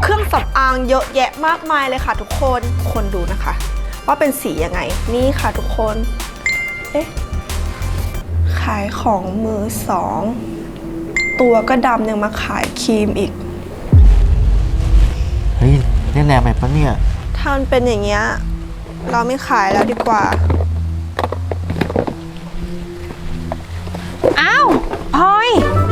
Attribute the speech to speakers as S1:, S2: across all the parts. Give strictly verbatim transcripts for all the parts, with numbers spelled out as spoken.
S1: รื่องสำอางเยอะแยะมากมายเลยค่ะทุกคนคนดูนะคะว่าเป็นสียังไงนี่ค่ะทุกคนเอ๊ะขายของมือสองตัวก็ดำยังมาขายครีมอีก
S2: เฮ้ยเล่นแรงไปปะเนี่ย
S1: ถ้ามันเป็นอย่างเงี้ยเราไม่ขายแล้วดีกว่า
S3: อ้าวพลอย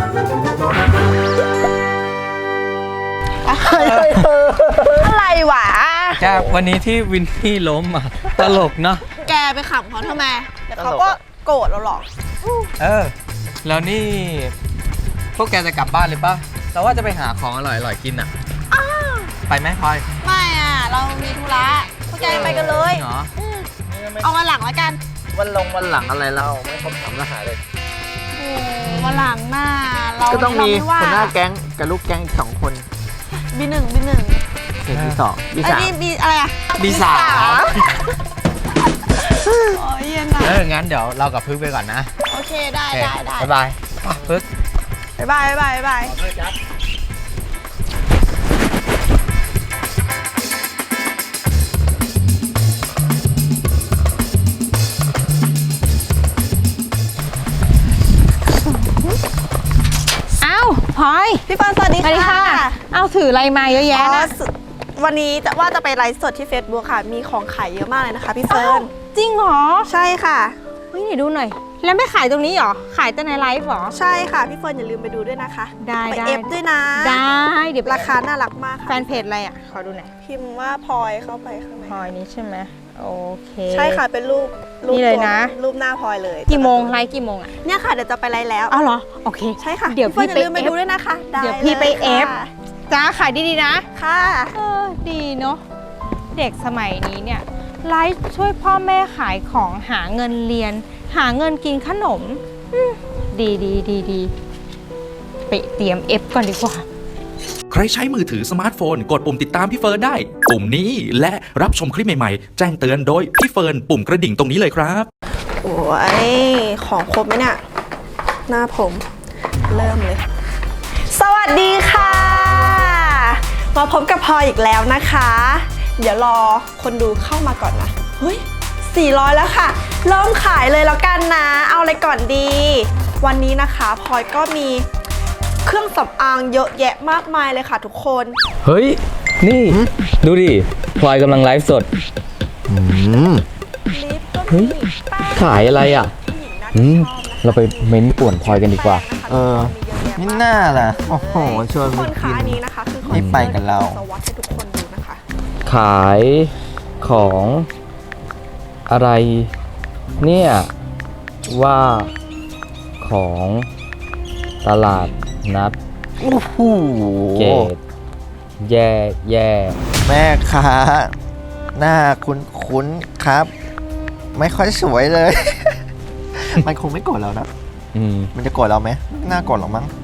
S3: อะไรวะ
S4: จากวันนี้ที่วินนี่ล้มอ่ะตลกเนาะ
S1: แกไปขำเขาทำไมแต่เขาก็โกรธเราหรอก
S4: เออแล้วนี่พวกแกจะกลับบ้านเลยปะเราว่าจะไปหาของอร่อยๆกินอ่ะไปไหมพลอย
S1: ไม่อ่ะเรามีธุระพวกแกไปกันเลย
S4: เหรอ
S1: เอาวันหลังแล้วกัน
S4: วันลงวันหลังอะไรเราไม่ครบสามรหัสเลย
S1: โอ้วันหลังหน้าเรา
S2: ก็ต้องมีคนหน้าแก๊งกับลูกแก๊งอีกสองคน
S1: บีหนึ่งบีหนึ่ง
S2: เบีสองบีสาม
S1: บีอะไรอะ
S4: บีสาม
S1: โอ้ยเย็นอะ
S4: เอองั้นเดี๋ยวเรากับพึกไปก่อนนะ
S1: โอเคได้ได้ได้
S4: บ๊ายบายพึก
S1: บ๊ายบายบ๊ายบายบ๊ายบาย
S3: อ้าวพลอย
S1: พี่เฟิร์นสวัสดีค่ะ
S3: เอาถืออะไรมาเยอะแยะนะ
S1: วันนี้จะว่าจะไปไลฟ์สดที่ Facebook ค่ะมีของขายเยอะมากเลยนะคะพี่เฟิร์น
S3: จริงเหรอ
S1: ใช่ค่ะ
S3: เฮ้ยไหนดูหน่อยแล้วไม่ขายตรงนี้เหรอขายแต่ในไลฟ์เหรอ
S1: ใช่ค่ะพี่เฟิร์นอย่าลืมไปดูด้วยนะคะ
S3: ได้
S1: ไปเอฟด้วยนะ
S3: ได้เดี๋ยว
S1: ราคาน่ารักมาก
S3: แฟนเพจอะไรอ่ะขอดูหน่อย
S1: พิมพ์ว่าพลอยเข้าไปข้างใน
S3: พลอยนี้ใช่ไหมโอเค
S1: ใช่ค่ะเป็นรูป
S3: นี่เลยนะ
S1: รูปหน้าพลอยเลย
S3: กี่โมงไลฟ์กี่โมงอ่ะ
S1: เนี่ยค่ะเดี๋ยวจะไปไลฟ์แล้ว
S3: อ้าวเหรอโอเค
S1: ใช่ค่ะ
S3: เดี๋ยวพี่
S1: ไปไปดูด้วยนะคะ
S3: เดี๋ยวพี่ไปเอฟจ้าขายดีๆนะ
S1: ค่ะ
S3: เออดีเนาะเด็กสมัยนี้เนี่ยไลฟ์ช่วยพ่อแม่ขายของหาเงินเรียนหาเงินกินขนมดีดีดีดีไปเตรียมเอฟก่อนดีกว่า
S5: ใครใช้มือถือสมาร์ทโฟนกดปุ่มติดตามพี่เฟิร์นได้ปุ่มนี้และรับชมคลิปใหม่ๆแจ้งเตือนโดยพี่เฟิร์นปุ่มกระดิ่งตรงนี้เลยครับ
S1: โอ้ยของครบไหมเนี่ยหน้าผมเริ่มเลยสวัสดีค่ะมาพบกับพลอยอีกแล้วนะคะเดี๋ยวรอคนดูเข้ามาก่อนนะเฮ้ยสี่ร้อยแล้วค่ะเริ่มขายเลยแล้วกันนะเอาอะไรก่อนดีวันนี้นะคะพลอยก็มีเครื่องสำอางเยอะแยะมากมายเลยค่ะทุกคน
S4: เฮ้ยนี่ดูดิพลอยกำลังไลฟ์สด
S1: ลิปก็มี
S4: ขายอะไรอ่ะเราไปเม้นป่วนพลอยกันดีกว่า
S2: เออนี่น่าล่ะโอ้โหชวน
S1: ไป
S2: กิน
S1: อันนี้นะคะคือ
S2: ไม่ไปกันเรา
S1: สวัสดีให้ทุกคนดูนะคะ
S4: ขายของอะไรเนี่ยว่าของตลาดนัด
S2: โอ้โห
S4: เกตแย่แย่
S2: แม่ค้าหน้าคุ้นคุ้นครับไม่ค่อยสวยเลย มันคงไม่โกรธเรานะมันจะโกรธเราไหมน่าโกรธหรอกมั้ง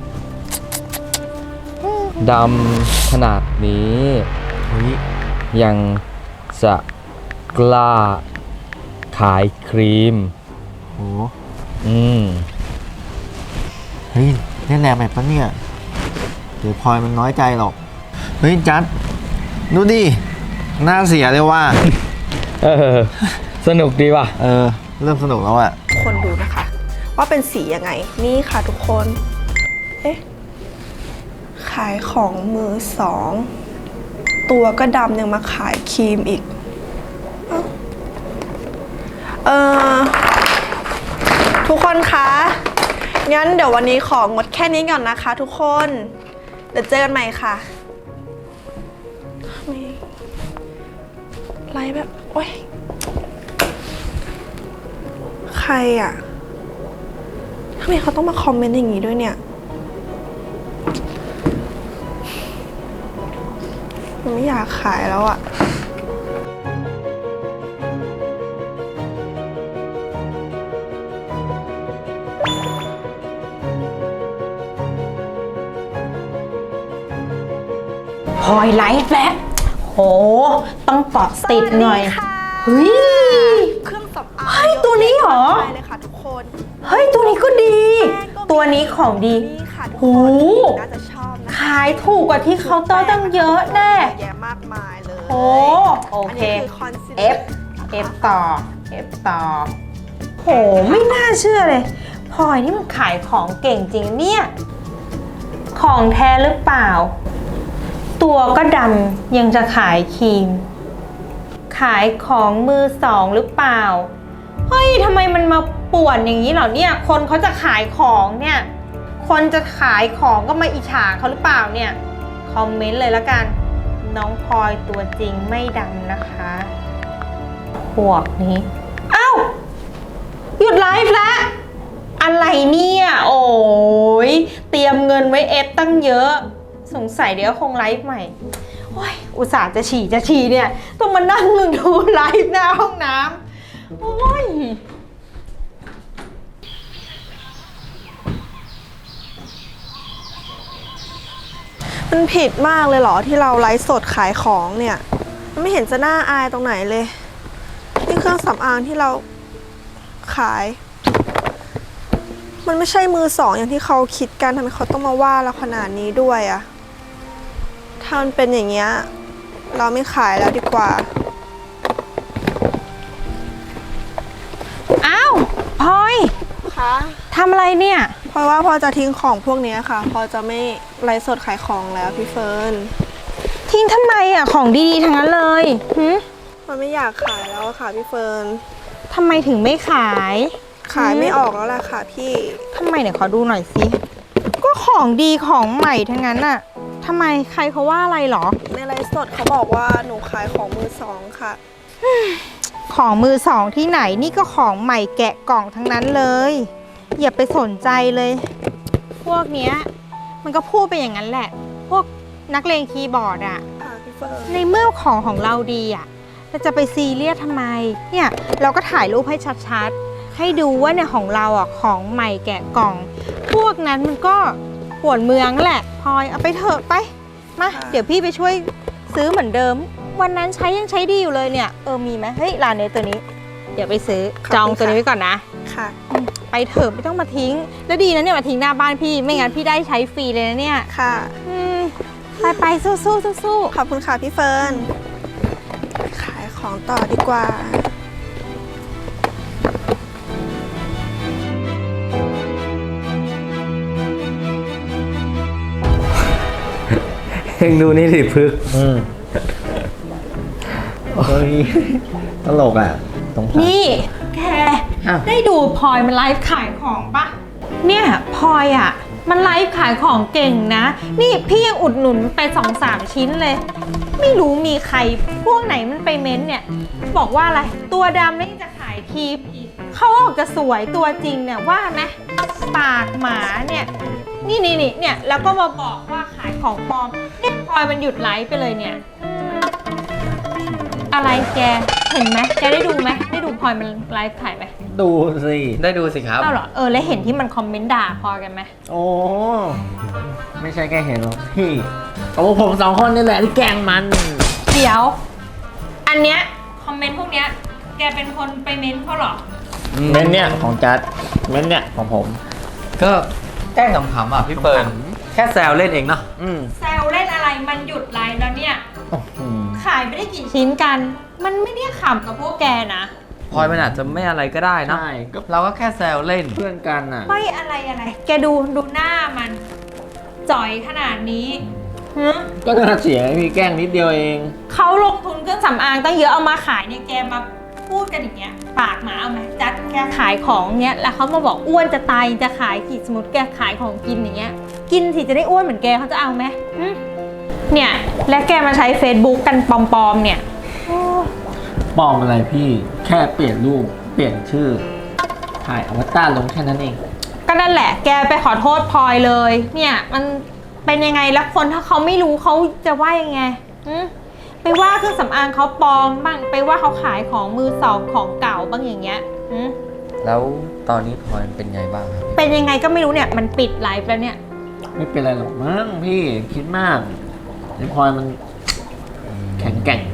S4: ดำขนาดนี้ยังจะกล้าขายครีม
S2: โอ้
S4: อืม
S2: เฮ้ยเล่นแรงไปปะเนี่ยเดี๋ยวพลอยมันน้อยใจหรอกเฮ้ยจัดดูดิหน้าเสียเลยว่า
S4: เออสนุกดีว่ะ
S2: เออเริ่มสนุกแล้วอะ
S1: คนดูนะคะว่าเป็นสียังไงนี่ค่ะทุกคนเอ๊ะขายของมือสองตัวก็ดำยังมาขายครีมอีกเออทุกคนคะงั้นเดี๋ยววันนี้ของงดแค่นี้ก่อนนะคะทุกคนเดี๋ยวเจอกันใหม่ค่ะไลฟ์แบบโอ๊ยใครอ่ะทำไมเขาต้องมาคอมเมนต์อย่างนี้ด้วยเนี่ยมันไม่อยากขายแล้วอ่ะ
S3: พลอยไลฟ์แล้วโหต้องเกาะติดหน่อยเฮ้ย
S1: เครื่องสำอาง
S3: เฮ้ยตัวนี้เหรอ
S1: เลยค่ะทุกคน
S3: เฮ้ยตัวนี้ก็ดีตัวนี้ของดีโห
S1: น่าจะชอบนะ
S3: ขายถูกกว่าที่เคาน์เตอร์ตั้งเยอะแน่
S1: ากมายเลย
S3: โอ้โอเค
S1: นนี้คือ concealer
S3: F F ต่อ F ต่อ โห ไม่น่าเชื่อเลยพลอยนี่มันขายของเก่งจริงเนี่ย ของแท้หรือเปล่า ตัวก็ดำยังจะขายครีม ขายของมือสองหรือเปล่า เฮ้ยทำไมมันมาป่วนอย่างนี้เหรอเนี่ย คนเขาจะขายของเนี่ย คนจะขายของก็มาอิจฉาเขาหรือเปล่าเนี่ย คอมเมนต์เลยละกัน น้องพลอยตัวจริงไม่ดำนะคะ พวกนี้ เอ้า หยุดไลฟ์แล้ว อะไรเนี่ย โอ้ยเตรียมเงินไว้เอฟตั้งเยอะ สงสัยเดี๋ยวคงไลฟ์ใหม่โอ้ยอุตส่าห์จะฉี่จะฉี่เนี่ย ต้องมานั่งดูไลฟ์หน้าห้องน้ำโอ้ย
S1: มันผิดมากเลยเหรอที่เราไลฟ์สดขายของเนี่ยมันไม่เห็นจะน่าอายตรงไหนเลยนี่เครื่องสำอางที่เราขาย มันไม่ใช่มือสองอย่างที่เขาคิดกันทำไมเขาต้องมาว่าเราขนาดนี้ด้วยอะถ้ามันเป็นอย่างเงี้ยเราไม่ขายแล้วดีกว่า
S3: อ้าวพลอย
S1: คะ
S3: ทำอะไรเนี่ย
S1: เพราะว่าพอจะทิ้งของพวกเนี้ยค่ะ พอจะไม่ไลฟ์สดขายของแล้วพี่เฟิร์น
S3: ทิ้งทำไมอ่ะของดีๆทั้งนั้นเลยหืม
S1: มันไม่อยากขายแล้วอะค่ะพี่เฟิร์น
S3: ทำไมถึงไม่ขาย
S1: ขายไม่ออกแล้วล่ะค่ะพี่
S3: ทำไมเนี่ยขอดูหน่อยสิก็ของดีของใหม่ทั้งนั้นน่ะทำไมใครเขาว่าอะไรหรอ
S1: ในไลฟ์สดเขาบอกว่าหนูขายของมือสองค่ะ
S3: ของมือสองที่ไหนนี่ก็ของใหม่แกะกล่องทั้งนั้นเลย อย่าไปสนใจเลย พวกเนี้ยมันก็พูดไปอย่างนั้นแหละ พวกนักเลงคีย์บอร์ดอะ
S1: ค่ะพี่เฟิร์น
S3: ในเมื่อของของเราดีอะเราจะไปซีเรียสทำไมเนี่ยเราก็ถ่ายรูปให้ชัดๆให้ดูว่าเนี่ยของเราอะของใหม่แกะกล่อง พวกนั้นมันก็ปวดเมืองแหละพลอยเอาไปเถอะไปมาเดี๋ยวพี่ไปช่วยซื้อเหมือนเดิม วันนั้นใช้ยังใช้ดีอยู่เลยเนี่ยเออมีไหมเฮ้ยร้านนี้ตัวนี้ เดี๋ยวไปซื้อจองตัวนี้ไว้ก่อนนะ
S1: ค่ะ
S3: ไปเถอะไม่ต้องมาทิ้ง แล้วดีนะเนี่ยมาทิ้งหน้าบ้านพี่ไม่งั้นพี่ได้ใช้ฟรีเลยนะเนี่ย
S1: ค่ะ
S3: อืมไปไปสู้สู้สู้สู้
S1: ขอบคุณค่ะพี่เฟิร์น ขายของต่อดีกว่า
S4: เฮงดูนี่ดิพึก
S2: อืมเฮ้ยตลกอ่ะตรง
S3: นี่แก
S2: อ้าว
S3: ได้ดูพลอยมันไลฟ์ขายของปะเนี่ยพลอยอ่ะมันไลฟ์ขายของเก่งนะ นี่พี่ยังอุดหนุนไปสองสามชิ้นเลย ไม่รู้มีใครพวกไหนมันไปเม้นเนี่ย บอกว่าอะไรตัวดำแล้วยังจะขายครีมอีกเขาออกจะสวยตัวจริงเนี่ยว่าไหมปากหมาเนี่ยนี่นี่นี่เนี่ยแล้วก็มาบอกว่าขายของปลอมเนี่ยพลอยมันหยุดไลฟ์ไปเลยเนี่ย อะไรแก เห็นไหมแกได้ดูไหมได้ดูพลอยมันไลฟ์ขายไหม
S2: ดูสิ
S4: ได้ดูสิครับ
S3: เอ้าเหรอ เออ แล้วเห็นที่มันคอมเมนต์ด่าพลอยกันไหม
S2: โอ้ไม่ใช่แค่เห็นหรอกพี่ก็พวกผมสองคนนี่แหละที่แกล้งมัน
S3: เดี๋ยว อันเนี้ยคอมเมนต์พวกเนี้ยแกเป็นคนไปเม้นเขาเหรอ
S2: เม้นเนี่ยของจัดเม้นเนี่ยของผม
S4: ก็แกล้งขำๆอ่ะพี่เปิร์นแค่แซวเล่นเองเนาะ
S2: อืม
S3: แซวเล่นอะไรมันหยุดไลฟ์แล้วเนี่ย
S2: อืม
S3: ขายไม่ได้กี่ชิ้นกัน มันไม่ได้ขำกับพวกแกนะ
S4: พลอยมันอาจจะไม่อะไรก็ได้เนาะ
S2: ใช่ก็
S4: เราก็แค่แซวเล่น
S2: เพื่อนกันอ่ะ
S3: ไม่อะไรอะไร แกดูดูหน้ามัน จ่อยขนาดนี้ฮะ
S2: ก็น่าเสียพี่แกล้งนิดเดียวเอง
S3: เขาลงทุนเครื่องสำอางตั้งเยอะเอามาขายเนี่ยแกมาพูดกันอย่างเงี้ยปากหมาเอาไหมจัดแกขายของเนี้ยแล้วเขามาบอกอ้วนจะตายจะขายกี่สมมติแกขายของกินอย่างเงี้ยกินสิจะได้อ้วนเหมือนแกเขาจะเอาไหมหึเนี่ยและแกมาใช้ Facebook กันปลอมๆเนี่ยโอ้
S2: ปลอมอะไรพี่แค่เปลี่ยนรูปเปลี่ยนชื่อถ่ายอวตารลงแค่นั้นเอง
S3: ก็นั่นแหละแกไปขอโทษพลอยเลยเนี่ยมันเป็นยังไงแล้วคนถ้าเขาไม่รู้เขาจะว่ายังไงหึไปว่าเครื่องสำอางเขาปลอมบ้างไปว่าเขาขายของมือสองของเก่าบ้างอย่างเงี้ยหึ
S4: แล้วตอนนี้พลอยเป็นไงบ้างครับ
S3: เป็นยังไงก็ไม่รู้เนี่ยมันปิดไลฟ์แล้วเนี่ย
S2: ไม่เป็นไรหรอกมั้งพี่คิดมากไอ้พลอยมันแข็งแกร่ง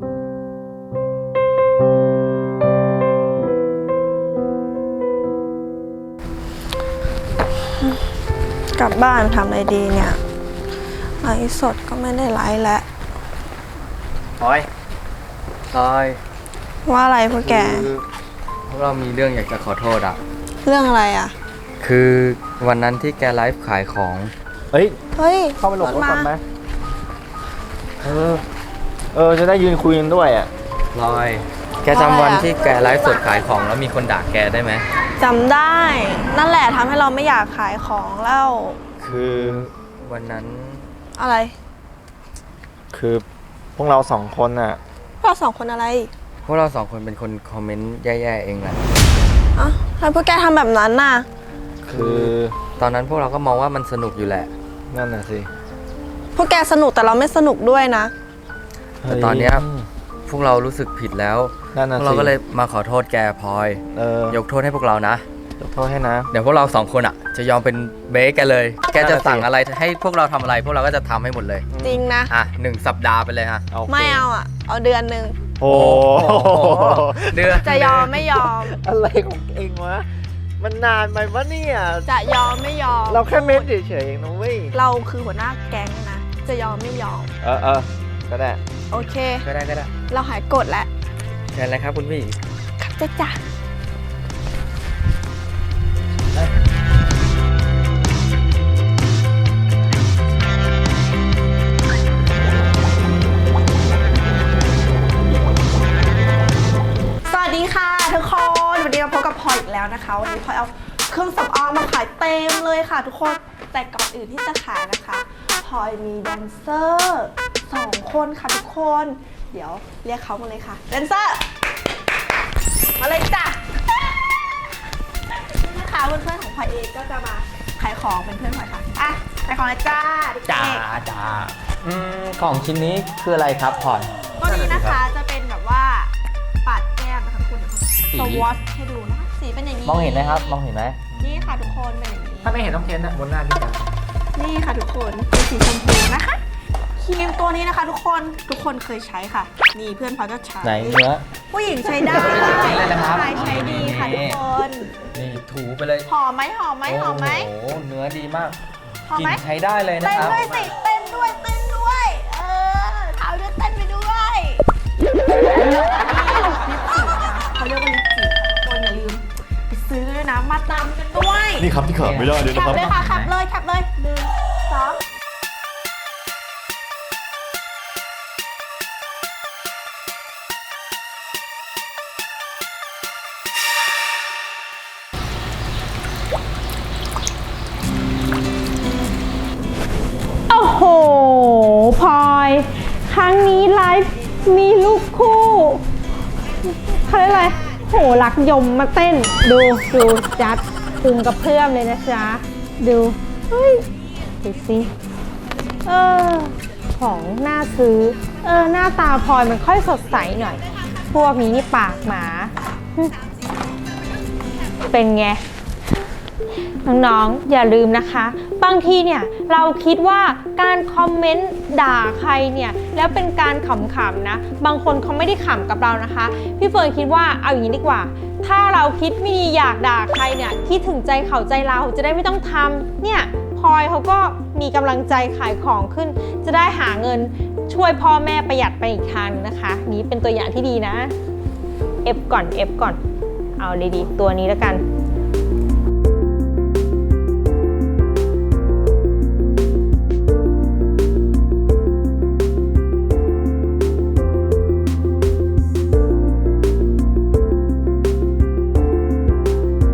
S1: กลับบ้านทำอะไรดีเนี่ยไลฟ์สดก็ไม่ได้ไลฟ์แล้ว
S4: พลอยพลอย
S1: ว่าอะไรพวกแก
S4: คือพวกเรามีเรื่องอยากจะขอโทษอ่ะ
S1: เรื่องอะไรอ่ะ
S4: คือวันนั้นที่แกไลฟ์ขายของ
S2: เฮ้ย
S1: เฮ้ย
S2: เข้าไปหลบรถก่อนไหม
S1: มา
S2: เออ เออ จะได้ยืนคุยกันด้วยอ่ะ
S4: พลอย แกจำวันที่แกไลฟ์สดขายของแล้วมีคนด่าแกได้ไหม
S1: จำได้ นั่นแหละทำให้เราไม่อยากขายของแล้ว
S2: คือ
S4: วันนั้น
S1: อะไร
S2: คือพวกเราสองคนอ่ะ
S1: เราสองคนอะไร
S4: พวกเราสองคนเป็นคนคอมเมนต์แย่ๆเองแหละ
S1: อ่ะทำไมพวกแกทำแบบนั้นน่ะ
S2: คือ
S4: ตอนนั้นพวกเราก็มองว่ามันสนุกอยู่แหละ
S2: นั่นน่ะสิ
S1: พวกแกสนุกแต่เราไม่สนุกด้วยนะ
S4: แต่ตอนเนี้ยพวกเรารู้สึกผิดแล้ว
S2: นั่น
S4: พ
S2: น่ะ
S4: วก
S2: สิ
S4: เราก็เลยมาขอโทษแกพลอย
S2: เออ
S4: ยกโทษให้พวกเรานะ
S2: ยกโทษให้นะ
S4: เดี๋ยวพวกเราสองคนอ่ะ จะยอมเป็นเบสแกเลย แกจะ
S2: นั่นน่ะสิ
S4: สั่งอะไรให้พวกเราทำอะไร พวกเราก็จะทำให้หมดเลย
S1: จริงนะ
S4: อ่ะหนึ่งสัปดาห์ไปเลยฮะ
S2: โค
S1: ไม่เอาอ่ะ เอาเดือนหนึ่ง
S2: โอ้
S4: โอ้โหเดือน
S1: จะยอมไม่ยอม
S2: อะไรของเองวะ มันนานไปวะเนี่ย
S1: จะยอมไม่ยอม
S2: เราแค่เม้นเฉยๆเองนะเว้ย
S1: เราคือหัวหน้าแก๊งนะ จะยอมไม่ยอม
S2: เออเออก็ได้
S1: โอเค
S4: ก็ได้ก็ได้
S1: เราหายกดแล้ว
S4: เชิญเลยครับคุณพี่
S1: ครับจ้ะจ้ะสวัสดีค่ะทุกคน วันนี้มาพบกับพลอยอีกแล้วนะคะ วันนี้พลอยเอาเครื่องสำอางมาขายเต็มเลยค่ะทุกคน แต่ก่อนอื่นที่จะขายนะคะพลอยมีแดนเซอร์สองคนค่ะทุกคน เดี๋ยวเรียกเขามาเลยค่ะแดนเซอร์ มาเลยจ้ะนี่นะคะเพื่อนๆของพลอยเองก็จะมาขายของเป็นเพื่อนพลอยค่ะ อ่ะขายของเลยจ้าเด็กๆ
S4: จ้าจ้าอืมของชิ้นนี้คืออะไรครับพลอย
S1: ตัวนี้นะคะจะเป็นแบบว่าปัดแก้มนะคะทุกคนเดี๋ยว
S4: สี
S1: สวอชให้ดูนะคะสีเป็นอย่างนี้
S4: มองเห็นไหมครับ มองเห็นไหม
S1: นี่ค่ะทุกคนเป็นอย่างนี้
S2: ถ้าไม่เห็นต้องเทนอะบนหน้าพี่กัน
S1: นี่ค่ะทุกคนเป็นสีชมพูนะคะครีมตัวนี้นะคะ ทุกคนทุกคนเคยใช้ค่ะ นี่เพื่อนพลอยก็ใช้
S4: ไหนเนื้อ
S1: ผู้หญิงใช้ได้
S4: จริงเลยนะครับ
S1: ชายใช้ดีค่ะทุกคน
S4: นี่ถูไปเลย
S1: หอมไหมหอมไหมหอมไหม
S4: โอ้โหเนื้อดีมาก
S1: หอม
S4: กลิ่
S1: ไหม
S4: นใช้ได้เลยนะ
S1: เต้น
S4: ครับ
S1: ด้วยสิเต้นด้วยเต้นด้วย เออเท้าด้วยเต้นไปด้วยลิปสติกนะเขาเรียกว่าลิปสติกคนอย่าลืมไปซื้อด้วยนะมาตามกันด้วย
S6: นี่ครับที่ขาดไม่ได้เลย
S1: แค
S6: นะ
S1: ป
S6: ครับ
S1: เลยค่ะแคปเลยแคปเลยหนึ่งสองโอ้โหพลอยครั้งนี้ไลฟ์มีลูกคู่เขาเรียกอะไรโหรักยมมาเต้น ดูดูจัดคุมกับเพื่อนเลยนะจ๊ะ ดูเฮ้ยดูสิเออของน่าซื้อ เออหน้าตาพลอยมันค่อยสดใสหน่อย พวกนี้นี่ปากหมาหึเป็นไง น้องๆอย่าลืมนะคะ บางทีเนี่ยเราคิดว่าการคอมเมนต์ด่าใครเนี่ยแล้วเป็นการขำๆนะบางคนเขาไม่ได้ขำกับเรานะคะพี่เฟิร์นคิดว่าเอาอย่างนี้ดีกว่า ถ้าเราคิดไม่ดีอยากด่าใครเนี่ยคิดถึงใจเขาใจเราจะได้ไม่ต้องทำเนี่ยพลอยเขาก็มีกำลังใจขายของขึ้น จะได้หาเงินช่วยพ่อแม่ประหยัดไปอีกทางนะคะนี้เป็นตัวอย่างที่ดีนะ F ก่อน F ก่อนเอาดีๆตัวนี้แล้วกัน